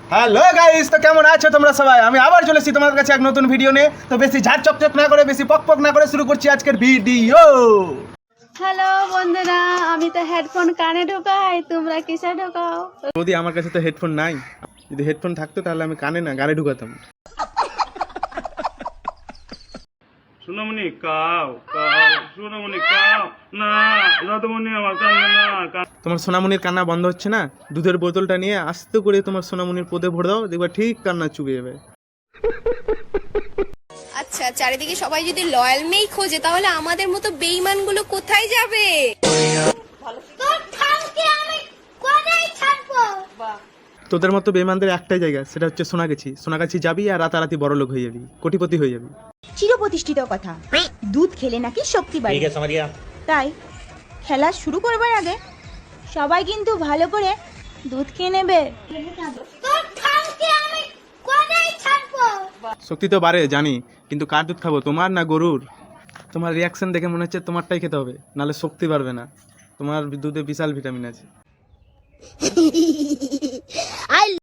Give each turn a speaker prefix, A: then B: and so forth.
A: Hello guys, তো কেমন আছো তোমরা সবাই? আমি আবার চলে এসেছি তোমাদের কাছে এক নতুন ভিডিও নিয়ে। তো বেশি ঝাড় চকচক না করে, বেশি পক পক না করে শুরু করছি আজকের ভিডিও।
B: হ্যালো বন্ধুরা, আমি তো হেডফোন কানে ঢোকাই, তোমরা কিসে ঢোকাও?
A: যদি আমার কাছে তো হেডফোন নাই, যদি হেডফোন থাকতো তাহলে আমি কানে না গানে ঢুকাতাম।
C: সোনামণি কাও কাও সোনামণি কাও না রাধামণি আমার কান্না না
A: তোমার সোনামণির কান্না বন্ধ হচ্ছে না? দুধের বোতলটা নিয়ে আস্তে করে তোমার সোনামণির পোদে ভরে দাও, দেখবা ঠিক কান্না চুবে যাবে।
D: আচ্ছা, চারিদিকে সবাই যদি লয়াল মেই খোঁজে তাহলে আমাদের মতো বেঈমানগুলো কোথায় যাবে?
A: তোদের মতো বেমানদের একটাই জায়গা, সেটা হচ্ছে সোনাগাছি। সোনাগাছি যাবি আর রাতারাতি বড় লোক হয়ে যাবি, কোটিপতি হয়ে যাবি।
E: চিরপ্রতিষ্ঠিত কথা, দুধ খেলে নাকি শক্তি বাড়ে। তাই খেলা শুরু করবার আগে সবাই কিন্তু ভালো করে দুধ খেয়ে নেবে।
A: শক্তি তো বাড়ে জানি, কিন্তু কার দুধ খাবো, তোমার না গরুর? তোমার রিয়াকশন দেখে মনে হচ্ছে তোমারটাই খেতে হবে, নাহলে শক্তি বাড়বে না। তোমার দুধে বিশাল ভিটামিন আছে।